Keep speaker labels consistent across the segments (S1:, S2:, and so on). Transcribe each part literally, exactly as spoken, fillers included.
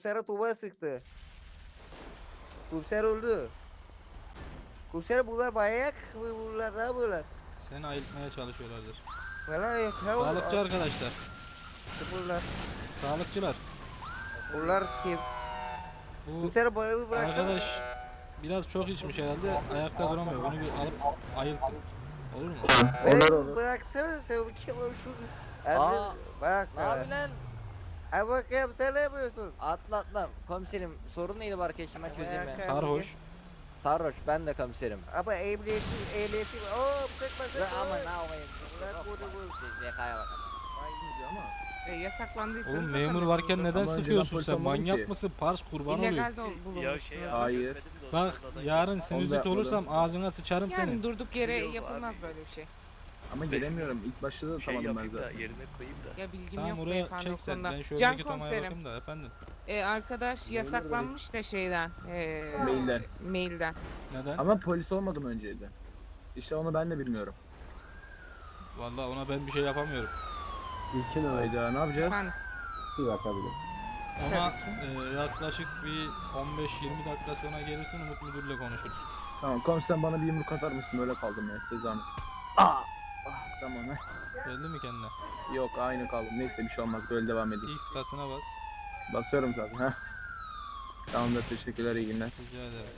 S1: komisere Tuğba sıktı. Komiser öldü. Komiser bunlar manyak mı bunlar ne yapıyorlar?
S2: Seni ayıltmaya çalışıyorlardır.
S1: Valla yok ya.
S2: Sağlıkçı arkadaşlar.
S1: Bunlar.
S2: Sağlıkçılar.
S1: Bunlar kim?
S2: Bu
S1: Komiser bana bir bıraksana.
S2: arkadaş biraz çok içmiş herhalde. Ayakta duramıyor. Bunu bir alıp ayıltın. Olur mu?
S1: Beni
S3: Olur, olur.
S1: bıraksana sen bir kim o şu.
S4: Aa,
S1: Bak.
S4: Ne yapıyorsun lan?
S1: Ay bakayım sen ne yapıyorsun?
S4: Atla atla. Komiserim sorun neydi bu arkadaşım ben çözeyim ya.
S1: Ayakkabı.
S2: Sarhoş.
S4: Sarhoş ben de komiserim.
S1: Ama ehliyeti ehliyeti. Oo sıkma
S4: Ve
S1: sıkma.
S4: ama ne yapayım?
S1: Bırak bunu bu.
S4: Siz yakaya bakalım.
S5: E, yasaklandıysanız
S2: Oğlum
S5: zaten
S2: memur varken
S5: mesulsünüz.
S2: neden
S3: Ama önceden
S2: sıkıyorsun
S3: polis
S2: sen?
S3: olmadım
S2: Manyak
S3: ki.
S2: mısın? Pars kurban olayım.
S5: İllegal de ol- bulunmuşsunuz.
S3: Hayır.
S2: Bak yarın sinüzit
S3: yapmadım.
S2: olursam ağzına sıçarım
S5: Yani
S2: seni.
S5: durduk yere
S6: Yok
S5: yapılmaz
S6: abi.
S5: böyle bir şey.
S3: Ama gelemiyorum. İlk başta da
S6: Şey
S3: tutamadım ben
S6: yapayım da
S3: zaten.
S6: yerine koyayım da.
S5: Ya bilgim
S2: Tamam
S5: yok
S2: oraya
S5: beyefendi o
S2: çek sen.
S5: konuda.
S2: Ben şu
S5: Can
S2: öndeki tomaya
S5: komiserim.
S2: bakayım da efendim.
S5: E, arkadaş yasaklanmış da şeyden. E,
S3: Mailden.
S5: Mailden.
S2: Neden?
S3: Ama polis olmadım önceydi. İşte onu ben de bilmiyorum.
S2: Vallahi ona ben bir şey yapamıyorum.
S7: İlkin öyle
S3: Hayda ne yapacağız?
S5: Efendim.
S7: bir bakabiliriz.
S2: Ona e, yaklaşık bir on beş yirmi dakika sonra gelirsin Umut müdürle konuşuruz.
S3: Tamam komiser bana bir yumruk atar mısın? Öyle kaldım ya size zahmet. Aa! Ah, tamam he.
S2: Geldi mi kendine?
S3: Yok aynı kaldım. Neyse bir şey olmaz. Böyle devam edeyim.
S2: X kasına bas.
S3: Basıyorum zaten ha. Tamamdır teşekkürler iyi günler.
S2: Rica ederim.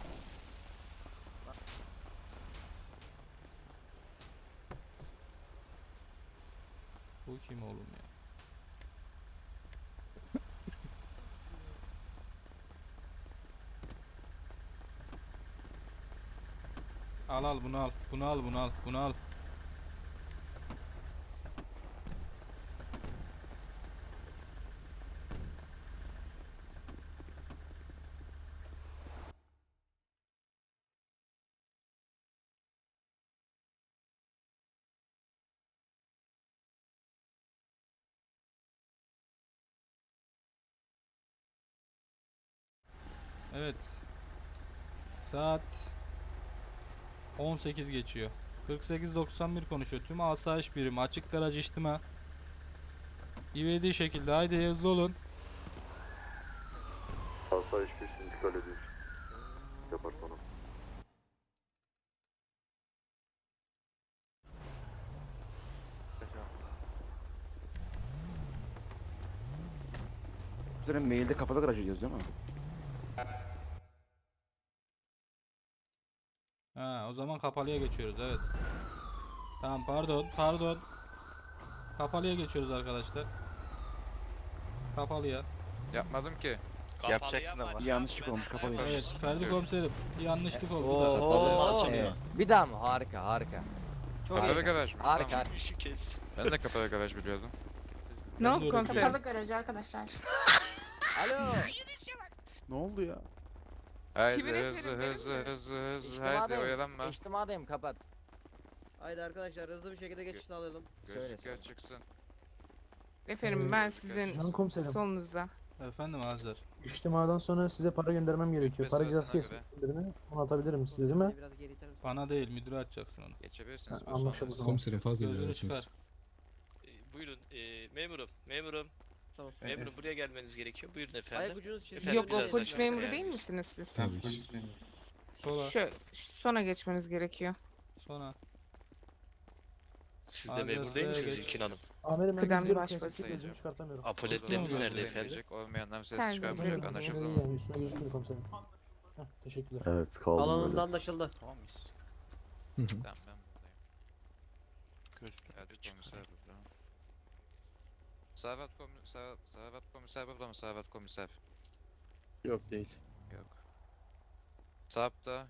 S2: Bu kim oğlum ya? Al al bunu al. Bunu al bunu al. Bunu al. Evet. Saat on sekiz geçiyor. kırk sekiz doksan bir konuşuyor. Tüm asayiş birimi açık garaj içtima. İvedi şekilde haydi hızlı olun.
S8: Asayiş bir sindikal ediyor. Departmanım.
S7: Üzerine mailde kapalı garaj ediyoruz değil mi?
S2: Ha, o zaman kapalıya geçiyoruz evet. Tamam pardon pardon. Kapalıya geçiyoruz arkadaşlar. Kapalıya.
S9: Yapmadım ki.
S6: Yapacaksın ama.
S7: Bir yanlışlık olmuş kapalı.
S2: Evet Ferdi komiserim bir yanlışlık oldu da.
S4: Oo,
S6: açılıyor.
S4: evet. Bir daha mı? Harika harika. Çok
S9: Kapalı
S4: iyi.
S9: garaj mı?
S4: Harika.
S9: Tamam.
S4: harika.
S6: Şu kez.
S9: Ben de kapalı garaj biliyordum.
S5: Ne
S2: Ben
S5: oldu
S2: de öyle
S5: komiserim?
S2: biliyorum.
S10: garajı arkadaşlar.
S4: Alo.
S7: Ne oldu ya?
S9: Haydi
S5: Kimin
S9: hızlı
S5: efendim, benim
S9: hızlı
S5: mi?
S9: hızlı hızlı
S4: İçtimadayım.
S9: haydi oyalanma.
S4: İçtimadayım kapat.
S11: Haydi arkadaşlar hızlı bir şekilde geçiş sağlayalım.
S4: Söyle,
S9: Gözlükler
S4: söyle.
S9: çıksın.
S5: Efendim ben sizin
S7: Can komiserim.
S5: solunuzda.
S2: Efendim Hazır.
S7: İçtimadan sonra size para göndermem gerekiyor. Para
S9: Bitmesi
S7: cezası
S9: arasına
S7: kesin birine. Onu atabilirim size değil mi?
S11: Beni biraz geri iter misiniz?
S2: Bana değil müdüre açacaksın onu.
S9: Geçebilirsiniz.
S7: Ha,
S9: bu
S7: anlaşıldı
S9: sonra.
S7: o zaman.
S12: Komiserim fazla
S2: Gözünü
S12: ilerisiniz.
S2: çıkar.
S6: Ee, buyurun e, memurum memurum.
S11: Tamam.
S6: Memurum buraya gelmeniz gerekiyor. Buyurun
S11: Ayak
S6: efendim.
S11: ucunuz için.
S6: Efendim,
S5: Yok o
S6: biraz
S5: polis
S6: daha-
S5: memuru
S6: Yani-
S5: değil misiniz siz?
S12: Tabii ki.
S2: Sola.
S5: Şöyle sona geçmeniz gerekiyor.
S2: Sonra.
S6: Siz de
S2: Ağzına
S6: memur değil
S2: sıraya
S6: misiniz
S2: geç.
S6: İlkin Hanım?
S7: Amirim ben
S5: Kıdemli
S7: gidiyorum,
S5: başpolis.
S7: kıyafetli gözümü çıkartamıyorum.
S6: Apoletlerimiz
S2: Tamam,
S6: nerede
S9: Olmayanlar
S6: efendim?
S9: gelecek, olmayanlar ses
S5: Kendinize
S9: çıkarmayacak
S5: bakın.
S9: anlaşıldı
S7: İyi
S9: mı?
S7: yani üstüne gözükmüyor komiserim. Heh, teşekkürler.
S8: Evet kaldım böyle.
S11: Alanında anlaşıldı.
S6: Tamam mıyız?
S12: Hı hı.
S9: Tamam ben buradayım.
S6: Gözlükler
S9: Hadi
S6: çıkar.
S9: komiser burada. Servet komiser, Servet komiser burada mı? Servet komiser.
S7: Yok değil.
S9: Yok. Sarp da.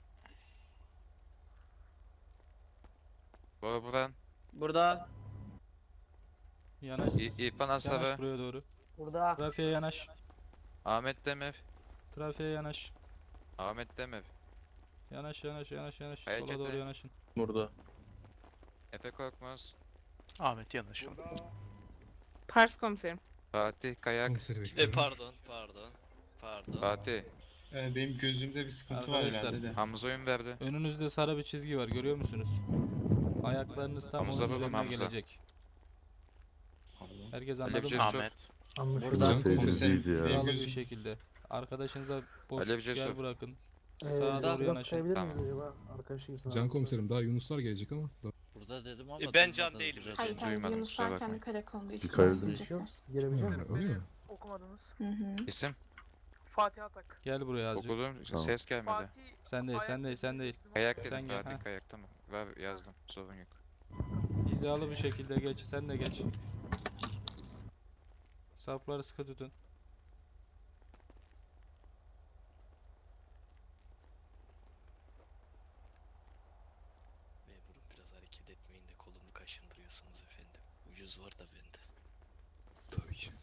S9: Bora Buran.
S11: Burada.
S2: Yanaş.
S9: İ- İrfan
S2: Yanaş
S9: Asabı.
S2: buraya doğru.
S11: Burada.
S2: Trafiğe yanaş.
S9: Ahmet Demir.
S2: Trafiğe yanaş.
S9: Ahmet Demir.
S2: Yanaş yanaş yanaş yanaş. Sola
S9: Harekete.
S2: doğru yanaşın.
S7: Burada.
S9: Efe Korkmaz.
S6: Ahmet yanaşalım.
S5: Pars komiserim.
S9: Fatih Kayak.
S12: Komiseri
S6: E
S12: bekliyorum.
S6: pardon pardon. Pardon.
S9: Fatih.
S13: Benim gözümde bir sıkıntı var
S2: Arkadaşlar.
S13: herhalde de.
S9: Hamza Ünverdi.
S2: Önünüzde sarı bir çizgi var görüyor musunuz? Ayaklarınız tam
S9: Hamza
S2: onun
S9: babam,
S2: üzerine
S9: Hamza.
S2: gelecek. Herkes
S9: Ali
S2: anladı mı?
S9: Cesur.
S6: Ahmet.
S7: Anlaşıldı.
S11: Burada.
S8: Seyirciyiz ya.
S2: Hizalı bir
S13: Gözüm-
S2: şekilde. Arkadaşınıza boş
S9: Alev
S2: yer
S9: Cesur.
S2: bırakın.
S7: Ee,
S2: Sağa
S7: biraz
S2: doğru yanaşın.
S7: sayabilir
S9: Tamam.
S7: miyiz acaba? Arkadaşıyız.
S10: Can komiserim daha Yunuslar gelecek ama.
S6: Burada dedim ama E, ben can değilim.
S9: Hayır, Duymadım, kusura bakmayın.
S12: karakolda
S8: Dikkat edin.
S7: Gelebilecek
S10: Yani,
S7: misin?
S10: öyle mi?
S12: okumadınız.
S9: İsim?
S12: Fatih Atak.
S2: Gel buraya azıcık.
S9: Okudum,
S8: Tamam.
S9: ses gelmedi.
S12: Fatih
S2: Sen değil, sen değil, sen değil.
S9: Kayak dedim,
S2: Sen gel,
S9: Fatih
S2: ha.
S9: Kayak, tamam. Ver, yazdım, sorun yok.
S2: Hizalı bir şekilde geç. Sen de geç. Sapları sıkı tutun.
S6: Memurum biraz hareket etmeyin de kolumu kaşındırıyorsunuz efendim. Ucuz var da bende.
S10: Tabii ki.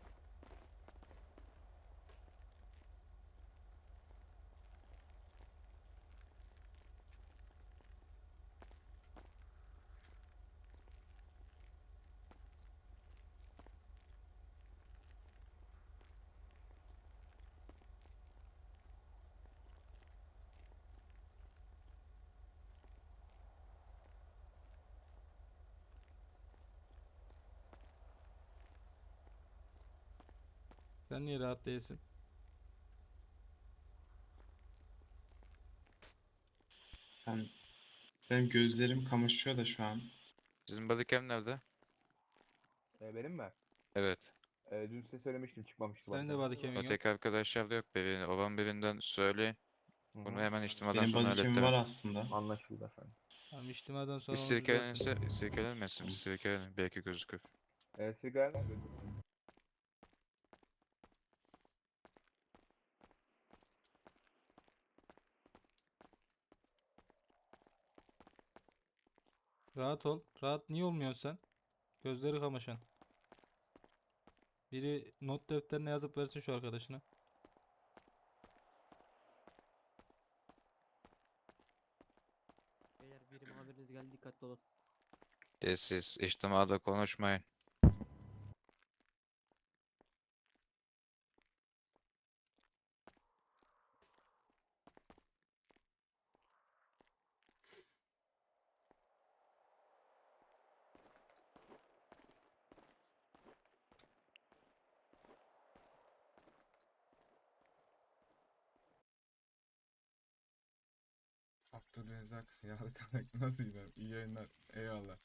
S2: Sen niye rahat değilsin?
S13: Ben, benim gözlerim kamaşıyor da şu an.
S9: Sizin bodycam nerede?
S3: Ee, benim mi?
S9: Evet.
S3: Ee, dün size söylemiştim çıkmamıştı.
S2: Sen de body cam'in yok.
S9: Öteki arkadaşlarda yok. Birini, olan birinden söyle. Bunu hemen içtimadan
S13: Benim
S9: sonra
S13: bodycam'im
S9: hallettim.
S13: var aslında.
S3: Anlaşıldı efendim.
S2: Tamam, içtimadan sonra
S9: Bir
S2: onu düzeltin.
S9: sirkelenirse, sirkelenmesin. Bir sirkelenin, belki gözükür.
S3: Ee, sigara
S2: Rahat ol. Rahat niye olmuyorsun sen? Gözleri kamaşan. Biri not defterine yazıp versin şu arkadaşına.
S11: Beyler birim haberiniz geldi, dikkatli olun.
S9: Siz içtimada konuşmayın.
S10: Abdülrezzak Yağlı Kanak nasıl gider? İyi yayınlar. Eyvallah.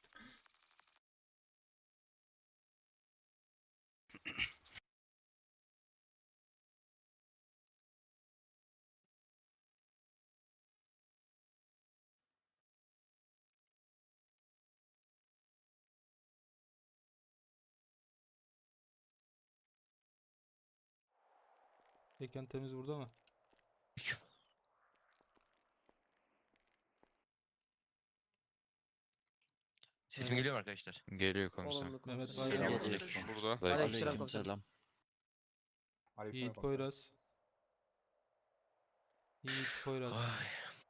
S2: Mekan temiz burada mı?
S12: Sesim geliyor mu arkadaşlar?
S9: Geliyor komiser.
S11: Olumlu
S2: Mehmet
S11: komiserim.
S2: Bayram.
S12: Selam.
S9: Burada.
S11: Aleykümselam
S12: Aleykümselam.
S11: komiserim.
S2: Yiğit Poyraz. Yiğit Poyraz.
S12: Ay.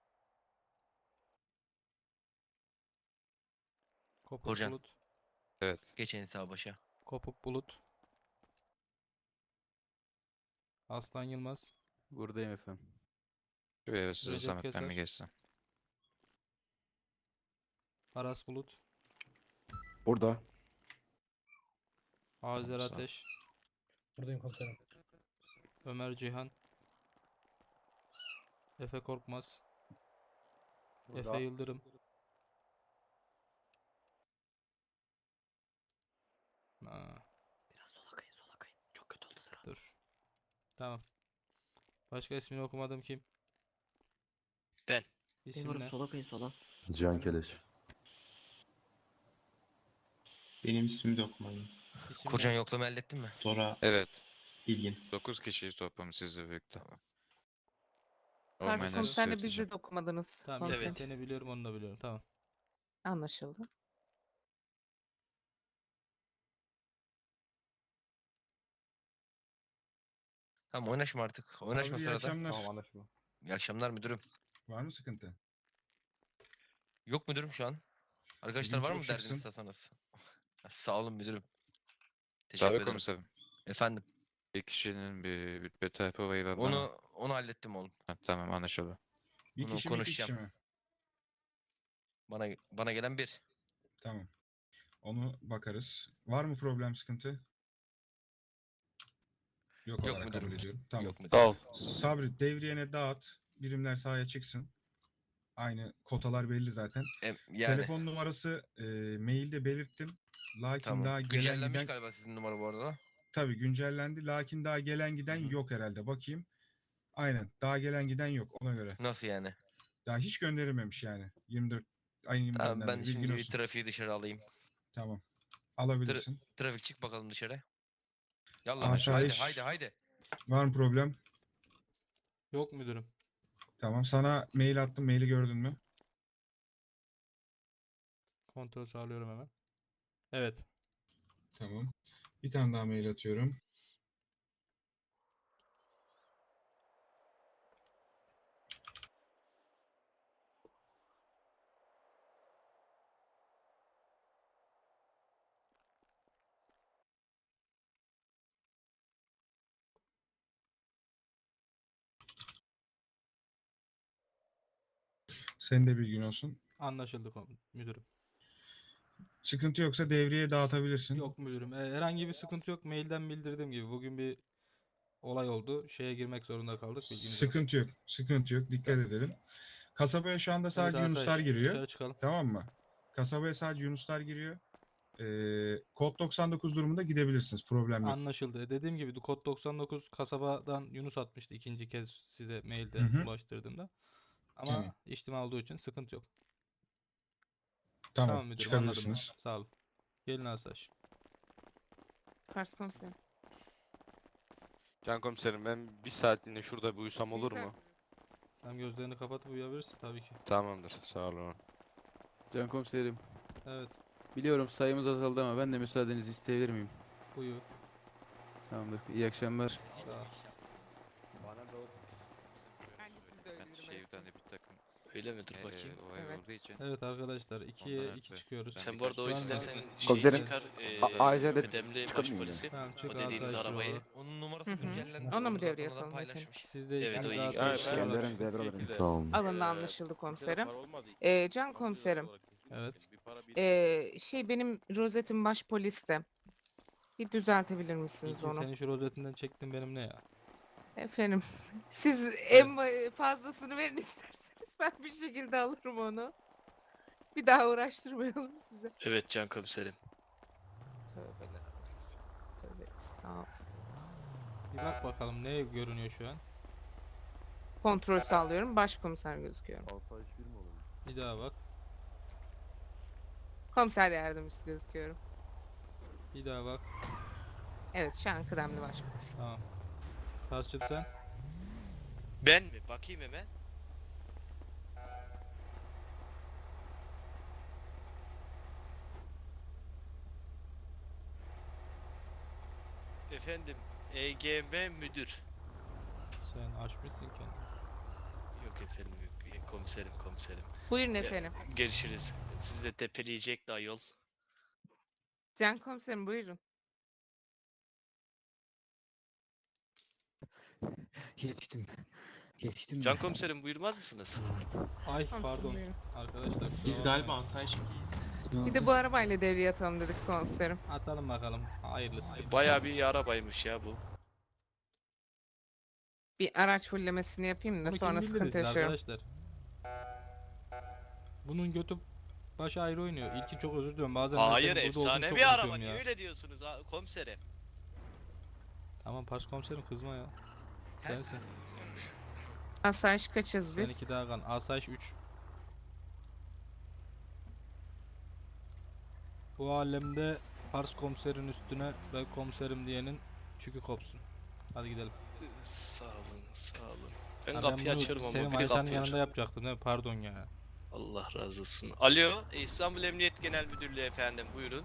S2: Kopuk
S12: Korcan.
S2: Bulut.
S9: Evet.
S12: Geçen sağ başa.
S2: Kopuk Bulut. Aslan Yılmaz.
S1: Buradayım efendim.
S9: Şuraya size
S2: Recep
S9: zahmet ben
S2: Keser.
S9: mi geçsem?
S2: Aras Bulut.
S8: Burada.
S2: Azer
S9: Sağ ol.
S2: Ateş.
S7: Buradayım komiserim.
S2: Ömer Cihan. Efe Korkmaz. Efe Yıldırım. Ha,
S11: Biraz sola kayın, sola kayın. Çok kötü oldu sıra.
S2: dur. Tamam. Başka ismini okumadım kim?
S6: Ben.
S2: İsim
S11: Memurum
S2: ne?
S11: sola kayın, sola.
S8: Cihan Keleş.
S13: Benim ismimi de okumadınız.
S2: İsim
S12: Korcan
S2: ne?
S12: yoklama hallettin mi?
S13: Dora
S9: Evet.
S13: Bilgin.
S9: dokuz kişiyiz toplam sizle birlikte.
S5: Karşı
S9: Olmayanları
S5: komiserle bizi
S9: söyleyeceğim.
S5: de okumadınız.
S2: Tamam,
S5: komiser.
S6: Evet.
S2: seni biliyorum, onu da biliyorum. Tamam.
S5: Anlaşıldı.
S12: Tamam, oynaşma artık. Oynaşma
S10: Abi iyi
S12: sırada.
S10: akşamlar.
S3: Tamam anlaşıldı.
S12: İyi akşamlar müdürüm.
S10: Var mı sıkıntı?
S12: Yok müdürüm şu an. Arkadaşlar
S10: Bugün
S12: var
S10: çok
S12: mı derdiniz
S10: şıksın.
S12: isterseniz? Sağ olun müdürüm. Teşekkür
S9: Tabii
S12: ederim.
S9: komiserim.
S12: Efendim.
S9: Bir kişinin bir rütbe tayfa olayı var bana.
S12: Onu onu hallettim oğlum.
S9: Ha, tamam anlaşıldı.
S10: Bir
S12: Bunu
S10: kişi mi iki kişi
S12: konuşacağım.
S10: mi?
S12: Bana bana gelen bir.
S10: Tamam. Onu bakarız. Var mı problem sıkıntı? Yok,
S12: Yok
S10: olarak
S12: müdürüm.
S10: kabul ediyorum. Tamam.
S12: Yok müdürüm.
S9: Sağ ol.
S10: Sabri devriyene dağıt. Birimler sahaya çıksın. Aynı kotalar belli zaten.
S12: Em, yani.
S10: Telefon numarası e, mailde belirttim. Lakin
S12: Tamam.
S10: daha gelen
S12: Güncellenmiş
S10: giden
S12: galiba sizin numara bu arada.
S10: tabii güncellendi. Lakin daha gelen giden
S12: Hı hı.
S10: yok herhalde. Bakayım. Aynen. Daha gelen giden yok ona göre.
S12: Nasıl yani?
S10: Daha hiç gönderilmemiş yani. yirmi dört ayın yirmi
S12: Tamam
S10: dördünden
S12: ben
S10: beri.
S12: şimdi
S10: Bilgin
S12: bir
S10: olsun.
S12: trafiği dışarı alayım.
S10: Tamam. Alabilirsin.
S12: Trafik çık bakalım dışarı. Yallah haydi
S10: Asayiş.
S12: haydi haydi.
S10: Var mı problem?
S2: Yok müdürüm.
S10: Tamam. Sana mail attım. Maili gördün mü?
S2: Kontrol sağlıyorum hemen. Evet.
S10: Tamam. Bir tane daha mail atıyorum. Senin de bilgin olsun.
S2: Anlaşıldı kom- müdürüm.
S10: Sıkıntı yoksa devreye dağıtabilirsin.
S2: Yok müdürüm. E, herhangi bir sıkıntı yok. Mailden bildirdiğim gibi. Bugün bir olay oldu. Şeye girmek zorunda kaldık. Bilginiz olsun.
S10: Sıkıntı yok. Sıkıntı yok. Dikkat edelim. Kasabaya şu anda
S2: Evet,
S10: sadece
S2: asayiş,
S10: Yunuslar giriyor.
S2: dışarı çıkalım.
S10: Tamam mı? Kasabaya sadece Yunuslar giriyor. Ee, kod doksan dokuz durumunda gidebilirsiniz. Problem yok.
S2: Anlaşıldı. E, Dediğim gibi kod doksan dokuz kasabadan Yunus atmıştı ikinci kez size mailde
S10: Hı hı.
S2: ulaştırdığımda. Ama
S10: Tamam.
S2: içtima olduğu için sıkıntı yok.
S10: Tamam.
S2: Tamam müdürüm, anladım.
S10: çıkabilirsiniz.
S2: Sağ olun. Gelin asayiş.
S5: Pars komiserim.
S8: Can komiserim ben bir saatliğine şurada bir uyusam olur
S5: Güzel.
S8: mu?
S2: Sen gözlerini kapatıp uyuyabilirsin tabii ki.
S8: Tamamdır. Sağ olun.
S4: Can komiserim.
S2: Evet.
S4: Biliyorum sayımız azaldı ama ben de müsaadenizi isteyebilir miyim?
S2: Uyu.
S4: Tamamdır. İyi akşamlar.
S2: Sağ ol.
S5: Bence siz de öyle
S9: Ben
S5: yürümelisiniz.
S9: şehirden de bir takım
S6: Öyle midir
S9: eee,
S6: bakayım?
S9: olay
S5: Evet.
S9: olduğu için.
S2: Evet arkadaşlar ikiye
S9: Ondan
S2: iki
S9: ötürü.
S2: çıkıyoruz.
S9: Ben
S6: Sen bu
S9: birkaç
S6: arada o
S2: şu anda-
S6: istersen şeyi
S1: Komiserim,
S6: çıkar.
S1: A- Ayşe'de
S6: Eee kıdemli başpolisi.
S2: Tamam çık
S6: O dediğimiz
S2: asayiş
S6: arabayı.
S2: büroları.
S12: Onun numarası
S5: Hı hı.
S12: güncellendi.
S5: Ona mı
S12: Onu zaten
S5: devreye
S12: oradan
S5: atalım efendim?
S12: paylaşmış.
S2: Siz de
S6: Evet,
S2: ikiniz
S6: o iyi
S2: asayiş
S6: geldi.
S2: büroları.
S1: Sağ olun.
S5: Alındı anlaşıldı komiserim. Ee, Can komiserim.
S2: Evet.
S5: Ee, şey benim rozetim baş poliste. Bir düzeltebilir misiniz
S2: İlkin
S5: onu?
S2: senin şu rozetinden çektin benim ne ya?
S5: Efendim. Siz en ba- fazlasını verin isterseniz ben bir şekilde alırım onu. Bir daha uğraştırmayalım size.
S6: Evet Can komiserim.
S5: Tövbeler olsun. Tövbe estağfurullah.
S2: Bir bak bakalım ne görünüyor şu an.
S5: Kontrol sağlıyorum. Başkomiser gözüküyor.
S2: Bir daha bak.
S5: Komiser yardımcısı gözüküyorum.
S2: Bir daha bak.
S5: Evet şu an kıdemli başpolis.
S2: Tamam. Parsçım sen.
S6: Ben mi? Bakayım hemen. Efendim, E G M müdür.
S2: Sen açmışsın kendini.
S6: Yok efendim yok. E, Komiserim komiserim.
S5: Buyurun
S6: Ya,
S5: efendim.
S6: Görüşürüz. Sizi de tepeleyecek daha yol.
S5: Can komiserim buyurun.
S11: Geçtim. Geçtim
S6: Can komiserim buyurmaz mısınız?
S2: Ay
S5: Komiserim
S2: pardon.
S5: buyurun.
S2: Arkadaşlar kusura
S13: Biz
S2: bakmayın.
S13: galiba asayiş
S5: Bir de bu arabayla devreye atalım dedik komiserim.
S2: Atalım bakalım. Hayırlısı.
S6: Bayağı bir arabaymış ya bu.
S5: Bir araç fullemesini yapayım da
S2: Bunu
S5: sonra
S2: kim
S5: sıkıntı
S2: bildirsin
S5: yaşıyorum.
S2: arkadaşlar? Bunun götü başı ayrı oynuyor. İlkin çok özür diliyorum. Bazen ben
S6: Hayır
S2: senin burada olduğunu
S6: efsane
S2: çok
S6: bir araba.
S2: unutuyorum
S6: Niye
S2: ya.
S6: öyle diyorsunuz ha, komiserim?
S2: Tamam Pars komiserim kızma ya. Sensin.
S5: Asayiş kaçız
S2: Sen
S5: biz?
S2: iki daha kan. Asayiş üç. Bu alemde Pars komiserin üstüne ve komiserim diyenin çükü kopsun. Hadi gidelim.
S6: Sağ olun, sağ olun. Ben
S2: Ha,
S6: kapıyı
S2: bunu
S6: açarım
S2: senin
S6: ama biri
S2: manitanın
S6: kapıyor.
S2: yanında yapacaktım değil mi? Pardon ya.
S6: Allah razı olsun. Alo, İstanbul Emniyet Genel Müdürlüğü efendim, buyurun.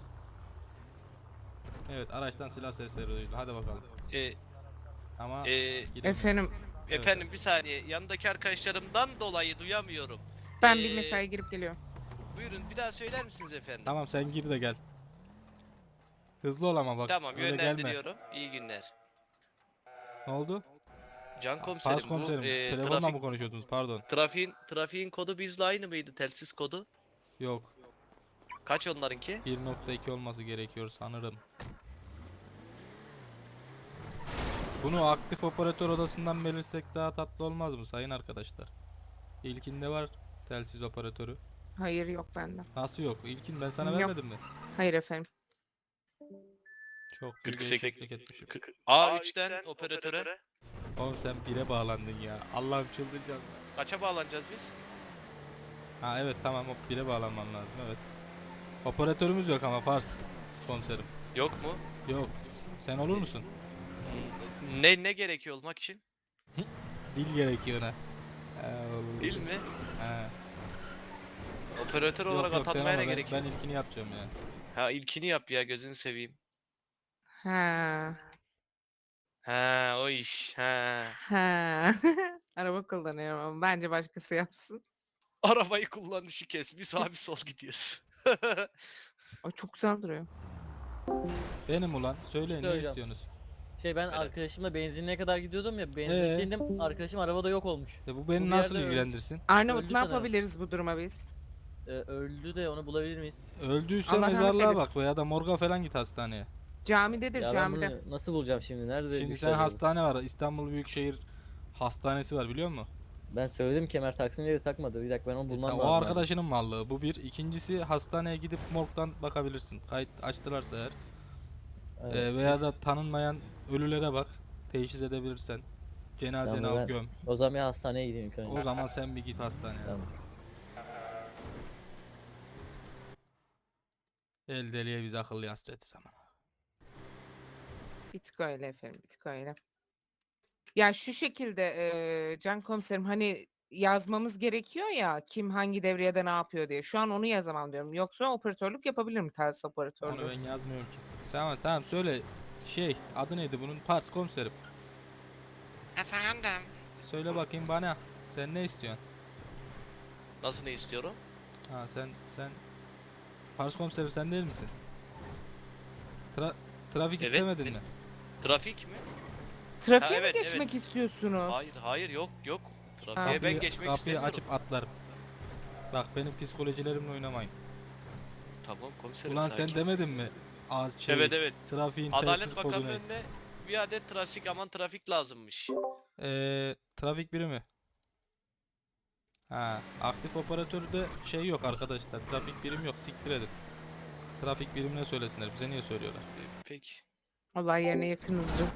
S2: Evet araçtan silah sesleri duyuldu. Hadi bakalım.
S6: Ee,
S2: Ama
S6: e,
S2: giremiyoruz.
S5: Efendim
S2: Evet,
S6: efendim bir saniye, yanındaki arkadaşlarımdan dolayı duyamıyorum.
S5: ben
S6: Ee,
S5: bir mesai girip geliyorum.
S6: Buyurun, bir daha söyler misiniz efendim?
S2: Tamam sen gir de gel. Hızlı ol ama bak.
S6: Tamam,
S2: öyle gelme.
S6: yönlendiriyorum. İyi günler.
S2: Ne oldu?
S6: Can komiserim,
S2: Pars komiserim.
S6: bu e,
S2: Telefonla
S6: trafik,
S2: mı konuşuyordunuz? Pardon.
S6: trafiğin, trafiğin kodu bizle aynı mıydı? Telsiz kodu?
S2: Yok.
S6: Kaç onlarınki?
S2: bir nokta iki olması gerekiyor sanırım. Bunu aktif operatör odasından belirsek daha tatlı olmaz mı sayın arkadaşlar? İlkinde var telsiz operatörü.
S5: Hayır yok bende.
S2: Nasıl yok? İlkin ben sana
S5: Yok.
S2: vermedim mi?
S5: Hayır efendim.
S2: Çok büyük
S6: kırk sekiz
S2: değişiklik etmişim.
S6: A üçten operatöre.
S2: Oğlum sen bire bağlandın ya. Allah'ım çıldıracağım.
S6: Kaça bağlanacağız biz?
S2: Ha evet tamam o bire bağlanman lazım evet. Operatörümüz yok ama Pars komiserim.
S6: Yok mu?
S2: Yok. Sen olur musun?
S6: Ne ne gerekiyor olmak için?
S2: Dil gerekiyor ona. Ha, olur.
S6: Dil mi?
S2: Ha.
S6: Operatör
S2: Yok
S6: olarak
S2: yok sen
S6: atanmaya
S2: ama
S6: ne
S2: ben,
S6: gerekiyor?
S2: ben ilkini yapacağım ya.
S6: Ha ilkini yap ya gözünü seveyim.
S5: Ha.
S6: Ha o iş. Ha.
S5: Ha. Araba kullanıyorum ama bence başkası yapsın.
S6: Arabayı kullanmışı kes. Bir sağ bir sol gidiyorsun.
S5: Ay çok güzel duruyor.
S2: Benim ulan söyleyin ne
S11: Söyleyeceğim.
S2: istiyorsunuz?
S11: Şey ben
S6: Evet.
S11: arkadaşımla benzinliğe kadar gidiyordum ya
S2: Ee?
S11: benzinliğe arkadaşım arabada yok olmuş.
S2: E bu
S11: Bu
S2: beni
S11: bir
S2: nasıl
S11: yerde öl-
S2: ilgilendirsin?
S5: Arnavut
S11: Öldü
S5: ne
S11: sanırım.
S5: yapabiliriz bu duruma biz?
S11: Ee, öldü de onu bulabilir miyiz?
S2: Öldüyse
S5: Allah rahmet
S2: mezarlığa bak
S5: eylesin.
S2: veya da morga falan git hastaneye.
S5: Camidedir
S11: Ya ben
S5: camide.
S11: bunu nasıl bulacağım şimdi? Nerede
S2: Şimdi
S11: düştü
S2: sen
S11: acaba?
S2: hastane var. İstanbul Büyükşehir Hastanesi var biliyor musun?
S11: Ben söyledim kemer taksın diye takmadı. Bir dakika ben onu
S2: E,
S11: bulmam
S2: ta-
S11: lazım.
S2: o
S11: abi.
S2: arkadaşının mallığı. Bu bir. İkincisi hastaneye gidip morgdan bakabilirsin. Kayıt açtılarsa eğer.
S11: Evet.
S2: E, veya da tanınmayan ölülere bak. Teşhis edebilirsen. Cenazeni
S11: Tamam,
S2: al
S11: ben-
S2: göm.
S11: O zaman bir hastaneye gideyim ilk önce.
S2: O zaman sen bir git hastaneye.
S11: Tamam.
S2: El deliye biz akıllı hasreti zaman.
S5: Bir tık öyle efendim, bir tık öyle. Ya şu şekilde eee, Can komiserim hani yazmamız gerekiyor ya kim hangi devriyede ne yapıyor diye. Şu an onu yazamam diyorum. Yoksa operatörlük yapabilirim telsiz
S2: Onu
S5: operatörlüğü.
S2: ben yazmıyorum ki. Tamam tamam söyle. Şey adı neydi bunun? Pars komiserim.
S6: Efendim.
S2: Söyle bakayım bana. Sen ne istiyorsun?
S6: Nasıl ne istiyorum?
S2: Ha sen sen Pars komiserim sen değil misin? Tra trafik
S6: Evet,
S2: istemedin
S6: benim.
S2: mi?
S6: Trafik mi?
S5: Trafiğe
S6: Ha, evet,
S5: mi
S6: evet.
S5: geçmek istiyorsunuz?
S6: Hayır hayır yok yok. Trafiğe
S5: Ha.
S6: ben
S2: Kapıyı,
S6: geçmek
S2: kapıyı
S6: istemiyorum.
S2: açıp atlarım. Bak benim psikolojilerimle oynamayın.
S6: Tamam komiserim
S2: Ulan
S6: sakin.
S2: sen demedin mi? Az şey,
S6: Evet evet.
S2: trafiğin
S6: Adalet
S2: telsiz kodu
S6: Bakanı'nın
S2: ne?
S6: önüne bir adet trafik aman trafik lazımmış.
S2: Ee, trafik birimi. Ha, aktif operatörde şey yok arkadaşlar. Trafik birim yok. Siktir edin. Trafik birimine söylesinler. Bize niye söylüyorlar?
S6: Peki.
S5: Olay yerine yakınızdır.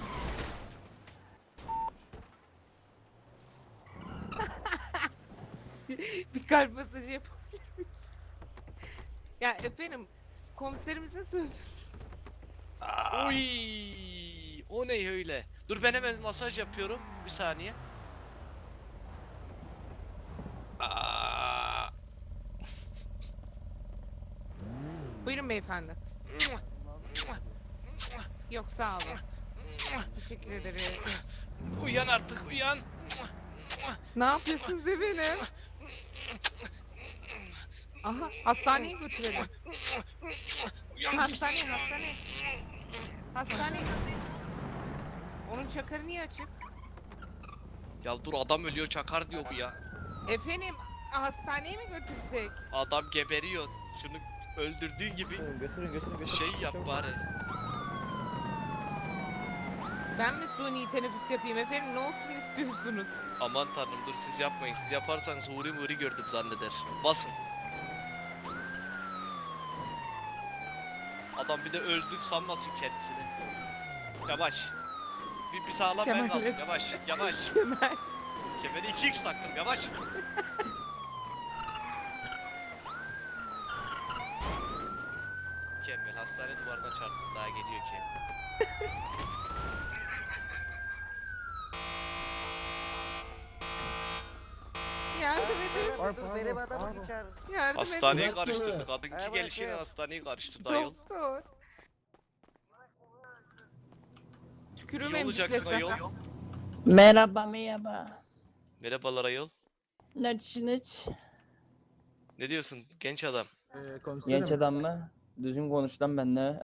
S5: Bir kalp masajı yapabilir miyiz? Ya efendim komiserimize söylüyorsun.
S6: Uy, o ne öyle? Dur ben hemen masaj yapıyorum. Bir saniye. Aa,
S5: Buyurun beyefendi. Yok sağ olun. Teşekkür ederiz.
S6: uyan artık uyan.
S5: Ne yapıyorsunuz efendim? Aha hastaneye götürelim.
S6: Uyan.
S5: Hastaneye hastaneye. Hastaneye. Onun çakarı niye açık?
S6: Ya dur adam ölüyor çakar diyor bu ya.
S5: Efendim hastaneye mi götürsek?
S6: Adam geberiyor. Şunu öldürdüğün gibi
S11: Götürün götürün götürün. götürün.
S6: şey yap
S11: Çabuk.
S6: bari.
S5: Ben mi suni teneffüs yapayım efendim? Ne olsun istiyorsunuz?
S6: Aman tanrım dur siz yapmayın. Siz yaparsanız huri muri gördüm zanneder. Basın. Adam bir de öldü sanmasın kendisini. Yavaş. Bir, bir sağlam ben
S5: Kemal
S6: kaldım.
S5: evet.
S6: Yavaş yavaş.
S5: Kemal.
S6: Kemeri iki x taktım yavaş. Mükemmel hastane duvarına çarptı daha geliyor ki.
S5: Yardım edin.
S7: Ay,
S1: Dur
S7: pardon,
S1: benim adamı
S7: pardon.
S1: geçer.
S5: Yardım
S6: Hastaneyi
S5: edin.
S6: karıştırdı. Kadınki
S1: Ay,
S6: gelişiyle
S1: bırakın.
S6: hastaneyi karıştırdı ayol.
S5: Doktor. Tükürüğüm
S6: İyi olacaksın
S5: emciklese.
S6: ayol.
S14: Merhaba merhaba.
S6: Merhabalar ayol.
S14: Ne düşünüç?
S6: Ne diyorsun genç adam?
S3: Ee, komiserim.
S14: Genç adam mı? Düzgün konuş lan benimle.